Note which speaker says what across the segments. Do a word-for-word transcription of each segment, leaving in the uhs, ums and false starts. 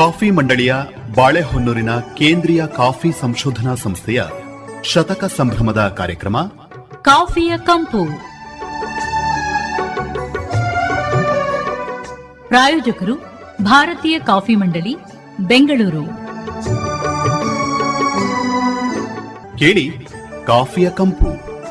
Speaker 1: Coffee ಮಂಡಳಿಯ ಬಾಳೆಹೊನ್ನೂರಿನ ಕೇಂದ್ರೀಯ coffee ಸಂಶೋಧನಾ ಸಂಸ್ಥೆಯ ಶತಕ ಸಂಭ್ರಮದ ಕಾರ್ಯಕ್ರಮ
Speaker 2: ಕಾಫಿಯ ಕಂಪು. ಪ್ರಾಯೋಜಕರು ಭಾರತೀಯ ಕಾಫಿ ಮಂಡಳಿ, ಬೆಂಗಳೂರು.
Speaker 1: ಕೇಳಿ ಕಾಫಿಯ ಕಂಪು.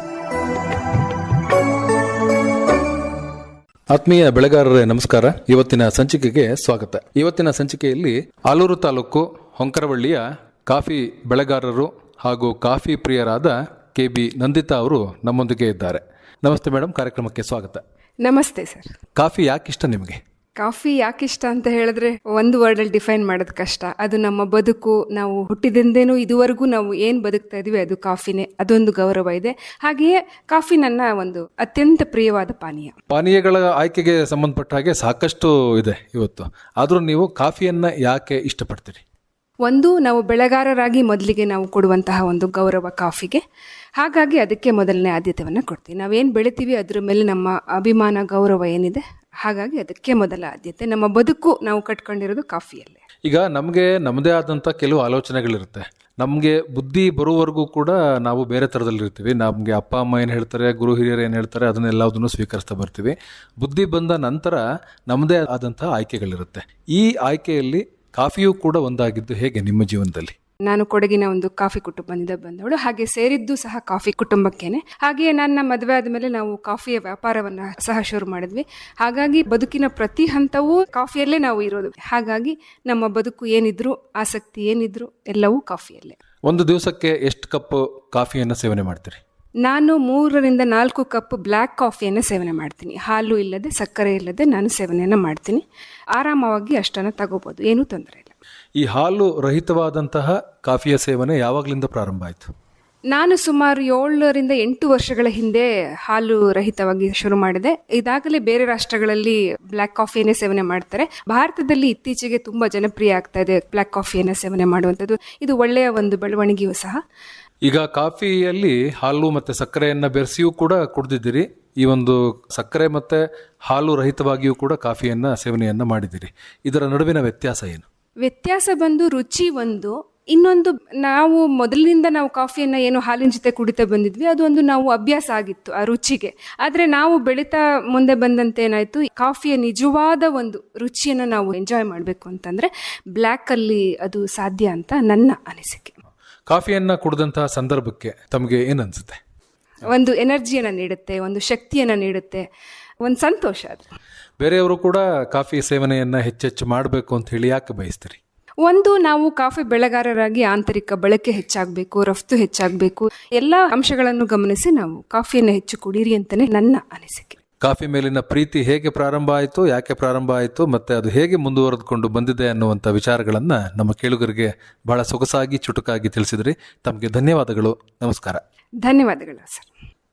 Speaker 3: ಆತ್ಮೀಯ ಬೆಳೆಗಾರರೇ ನಮಸ್ಕಾರ. ಇವತ್ತಿನ ಸಂಚಿಕೆಗೆ ಸ್ವಾಗತ. ಇವತ್ತಿನ ಸಂಚಿಕೆಯಲ್ಲಿ ಆಲೂರು ತಾಲೂಕು ಹೊಂಕರವಳ್ಳಿಯ ಕಾಫಿ ಬೆಳೆಗಾರರು ಹಾಗೂ ಕಾಫಿ ಪ್ರಿಯರಾದ ಕೆ ಬಿ ನಂದಿತಾ ಅವರು ನಮ್ಮೊಂದಿಗೆ ಇದ್ದಾರೆ. ನಮಸ್ತೆ ಮೇಡಮ್, ಕಾರ್ಯಕ್ರಮಕ್ಕೆ ಸ್ವಾಗತ.
Speaker 4: ನಮಸ್ತೆ ಸರ್.
Speaker 3: ಕಾಫಿ ಯಾಕಿಷ್ಟ ನಿಮಗೆ?
Speaker 4: ಕಾಫಿ ಯಾಕಿಷ್ಟ ಅಂತ ಹೇಳಿದ್ರೆ ಒಂದು ವರ್ಡಲ್ಲಿ ಡಿಫೈನ್ ಮಾಡೋದು ಕಷ್ಟ. ಅದು ನಮ್ಮ ಬದುಕು. ನಾವು ಹುಟ್ಟಿದಿಂದೇನೂ ಇದುವರೆಗೂ ನಾವು ಏನು ಬದುಕ್ತಾ ಇದೀವಿ ಅದು ಕಾಫಿನೇ. ಅದೊಂದು ಗೌರವ ಇದೆ. ಹಾಗೆಯೇ ಕಾಫಿ ನನ್ನ ಒಂದು ಅತ್ಯಂತ ಪ್ರಿಯವಾದ ಪಾನೀಯ.
Speaker 3: ಪಾನೀಯಗಳ ಆಯ್ಕೆಗೆ ಸಂಬಂಧಪಟ್ಟ ಹಾಗೆ ಸಾಕಷ್ಟು ಇದೆ ಇವತ್ತು. ಆದರೂ ನೀವು ಕಾಫಿಯನ್ನ ಯಾಕೆ ಇಷ್ಟಪಡ್ತೀರಿ?
Speaker 4: ಒಂದು, ನಾವು ಬೆಳೆಗಾರರಾಗಿ ಮೊದಲಿಗೆ ನಾವು ಕೊಡುವಂತಹ ಒಂದು ಗೌರವ ಕಾಫಿಗೆ. ಹಾಗಾಗಿ ಅದಕ್ಕೆ ಮೊದಲನೇ ಆದ್ಯತೆಯನ್ನು ಕೊಡ್ತೀವಿ. ನಾವೇನು ಬೆಳಿತೀವಿ ಅದ್ರ ಮೇಲೆ ನಮ್ಮ ಅಭಿಮಾನ, ಗೌರವ ಏನಿದೆ, ಹಾಗಾಗಿ ಅದಕ್ಕೆ ಮೊದಲ ಆದ್ಯತೆ. ನಮ್ಮ ಬದುಕು ನಾವು ಕಟ್ಕೊಂಡಿರೋದು ಕಾಫಿಯಲ್ಲೇ.
Speaker 3: ಈಗ ನಮಗೆ ನಮ್ಮದೇ ಆದಂಥ ಕೆಲವು ಆಲೋಚನೆಗಳಿರುತ್ತೆ. ನಮಗೆ ಬುದ್ಧಿ ಬರುವವರೆಗೂ ಕೂಡ ನಾವು ಬೇರೆ ಥರದಲ್ಲಿರ್ತೀವಿ. ನಮಗೆ ಅಪ್ಪ ಅಮ್ಮ ಏನು ಹೇಳ್ತಾರೆ, ಗುರು ಹಿರಿಯರು ಏನು ಹೇಳ್ತಾರೆ, ಅದನ್ನೆಲ್ಲದನ್ನು ಸ್ವೀಕರಿಸ್ತಾ ಬರ್ತೀವಿ. ಬುದ್ಧಿ ಬಂದ ನಂತರ ನಮ್ಮದೇ ಆದಂಥ ಆಯ್ಕೆಗಳಿರುತ್ತೆ. ಈ ಆಯ್ಕೆಯಲ್ಲಿ ಕಾಫಿಯೂ ಕೂಡ ಒಂದಾಗಿದ್ದು ಹೇಗೆ ನಿಮ್ಮ ಜೀವನದಲ್ಲಿ?
Speaker 4: ನಾನು ಕೊಡಗಿನ ಒಂದು ಕಾಫಿ ಕುಟುಂಬದಿಂದ ಬಂದವಳು. ಹಾಗೆ ಸೇರಿದ್ದು ಸಹ ಕಾಫಿ ಕುಟುಂಬಕ್ಕೇನೆ. ಹಾಗೆಯೇ ನನ್ನ ಮದುವೆ ಆದಮೇಲೆ ನಾವು ಕಾಫಿಯ ವ್ಯಾಪಾರವನ್ನು ಸಹ ಶುರು ಮಾಡಿದ್ವಿ. ಹಾಗಾಗಿ ಬದುಕಿನ ಪ್ರತಿ ಹಂತವೂ ಕಾಫಿಯಲ್ಲೇ ನಾವು ಇರೋದು. ಹಾಗಾಗಿ ನಮ್ಮ ಬದುಕು ಏನಿದ್ರು, ಆಸಕ್ತಿ ಏನಿದ್ರು, ಎಲ್ಲವೂ ಕಾಫಿಯಲ್ಲೇ.
Speaker 3: ಒಂದು ದಿವಸಕ್ಕೆ ಎಷ್ಟು ಕಪ್ ಕಾಫಿಯನ್ನು ಸೇವನೆ ಮಾಡ್ತೀರಿ?
Speaker 4: ನಾನು ಮೂರರಿಂದ ನಾಲ್ಕು ಕಪ್ ಬ್ಲ್ಯಾಕ್ ಕಾಫಿಯನ್ನು ಸೇವನೆ ಮಾಡ್ತೀನಿ. ಹಾಲು ಇಲ್ಲದೆ, ಸಕ್ಕರೆ ಇಲ್ಲದೆ ನಾನು ಸೇವನೆಯನ್ನು ಮಾಡ್ತೀನಿ. ಆರಾಮವಾಗಿ ಅಷ್ಟನ್ನು ತಗೋಬೋದು, ಏನೂ ತೊಂದರೆ ಇಲ್ಲ.
Speaker 3: ಈ ಹಾಲು ರಹಿತವಾದಂತಹ ಕಾಫಿಯ ಸೇವನೆ ಯಾವಾಗಲಿಂದ ಪ್ರಾರಂಭ ಆಯಿತು?
Speaker 4: ನಾನು ಸುಮಾರು ಏಳರಿಂದ ಎಂಟು ವರ್ಷಗಳ ಹಿಂದೆ ಹಾಲು ರಹಿತವಾಗಿ ಶುರು ಮಾಡಿದೆ. ಇದಾಗಲೇ ಬೇರೆ ರಾಷ್ಟ್ರಗಳಲ್ಲಿ ಬ್ಲ್ಯಾಕ್ ಕಾಫಿಯನ್ನೇ ಸೇವನೆ ಮಾಡ್ತಾರೆ. ಭಾರತದಲ್ಲಿ ಇತ್ತೀಚೆಗೆ ತುಂಬ ಜನಪ್ರಿಯ ಆಗ್ತಾ ಇದೆ ಬ್ಲ್ಯಾಕ್ ಕಾಫಿಯನ್ನು ಸೇವನೆ ಮಾಡುವಂಥದ್ದು. ಇದು ಒಳ್ಳೆಯ ಒಂದು ಬೆಳವಣಿಗೆಯೂ ಸಹ.
Speaker 3: ಈಗ ಕಾಫಿಯಲ್ಲಿ ಹಾಲು ಮತ್ತು ಸಕ್ಕರೆಯನ್ನು ಬೆರೆಸಿಯೂ ಕೂಡ ಕುಡಿದಿದ್ದೀರಿ. ಈ ಒಂದು ಸಕ್ಕರೆ ಮತ್ತು ಹಾಲು ರಹಿತವಾಗಿಯೂ ಕೂಡ ಕಾಫಿಯನ್ನು ಸೇವನೆಯನ್ನು ಮಾಡಿದ್ದೀರಿ. ಇದರ ನಡುವಿನ ವ್ಯತ್ಯಾಸ ಏನು?
Speaker 4: ವ್ಯತ್ಯಾಸ ಬಂದು ರುಚಿ ಒಂದು. ಇನ್ನೊಂದು, ನಾವು ಮೊದಲಿನಿಂದ ನಾವು ಕಾಫಿಯನ್ನು ಏನು ಹಾಲಿನ ಜೊತೆ ಕುಡಿತಾ ಬಂದಿದ್ವಿ, ಅದೊಂದು ನಾವು ಅಭ್ಯಾಸ ಆಗಿತ್ತು ಆ ರುಚಿಗೆ. ಆದರೆ ನಾವು ಬೆಳೀತಾ ಮುಂದೆ ಬಂದಂತೆ ಏನಾಯಿತು, ಕಾಫಿಯ ನಿಜವಾದ ಒಂದು ರುಚಿಯನ್ನು ನಾವು ಎಂಜಾಯ್ ಮಾಡಬೇಕು ಅಂತಂದರೆ ಬ್ಲ್ಯಾಕಲ್ಲಿ ಅದು ಸಾಧ್ಯ ಅಂತ ನನ್ನ ಅನಿಸಿಕೆ.
Speaker 3: ಕಾಫಿಯನ್ನು ಕುಡಿದಂತಹ ಸಂದರ್ಭಕ್ಕೆ ತಮಗೆ ಏನು ಅನಿಸುತ್ತೆ?
Speaker 4: ಒಂದು ಎನರ್ಜಿಯನ್ನು ನೀಡುತ್ತೆ, ಒಂದು ಶಕ್ತಿಯನ್ನು ನೀಡುತ್ತೆ, ಒಂದು ಸಂತೋಷ. ಅದು
Speaker 3: ಬೇರೆಯವರು ಕೂಡ ಕಾಫಿ ಸೇವನೆಯನ್ನು ಹೆಚ್ಚೆಚ್ಚು ಮಾಡಬೇಕು ಅಂತ ಹೇಳಿ ಯಾಕೆ ಬಯಸ್ತೀರಿ?
Speaker 4: ಒಂದು, ನಾವು ಕಾಫಿ ಬೆಳೆಗಾರರಾಗಿ ಆಂತರಿಕ ಬಳಕೆ ಹೆಚ್ಚಾಗಬೇಕು, ರಫ್ತು ಹೆಚ್ಚಾಗಬೇಕು, ಎಲ್ಲ ಅಂಶಗಳನ್ನು ಗಮನಿಸಿ ನಾವು ಕಾಫಿಯನ್ನು ಹೆಚ್ಚು ಕುಡೀರಿ ಅಂತಲೇ ನನ್ನ ಅನಿಸಿಕೆ.
Speaker 3: ಕಾಫಿ ಮೇಲಿನ ಪ್ರೀತಿ ಹೇಗೆ ಪ್ರಾರಂಭ ಆಯಿತು, ಯಾಕೆ ಪ್ರಾರಂಭ ಆಯಿತು, ಮತ್ತು ಅದು ಹೇಗೆ ಮುಂದುವರೆದುಕೊಂಡು ಬಂದಿದೆ ಅನ್ನುವಂಥ ವಿಚಾರಗಳನ್ನು ನಮ್ಮ ಕೇಳುಗರಿಗೆ ಬಹಳ ಸೊಗಸಾಗಿ, ಚುಟುಕಾಗಿ ತಿಳಿಸಿದ್ರಿ. ತಮಗೆ ಧನ್ಯವಾದಗಳು. ನಮಸ್ಕಾರ.
Speaker 4: ಧನ್ಯವಾದಗಳು ಸರ್.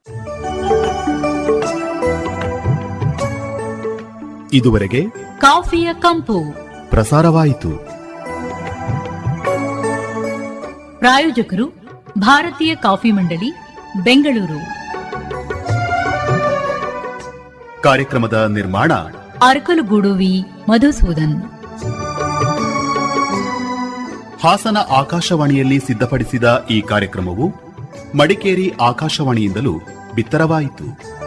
Speaker 1: ಇದುವರೆಗೆ
Speaker 2: ಕಾಫಿಯ ಕಂಪು
Speaker 1: ಪ್ರಸಾರವಾಯಿತು.
Speaker 2: ಪ್ರಾಯೋಜಕರು ಭಾರತೀಯ ಕಾಫಿ ಮಂಡಳಿ, ಬೆಂಗಳೂರು.
Speaker 1: ಕಾರ್ಯಕ್ರಮದ ನಿರ್ಮಾಣ
Speaker 2: ಅರಕಲಗೂಡು ವಿ ಮಧುಸೂದನ್.
Speaker 1: ಹಾಸನ ಆಕಾಶವಾಣಿಯಲ್ಲಿ ಸಿದ್ಧಪಡಿಸಿದ ಈ ಕಾರ್ಯಕ್ರಮವು ಮಡಿಕೇರಿ ಆಕಾಶವಾಣಿಯಿಂದಲೂ ಬಿತ್ತರವಾಯಿತು.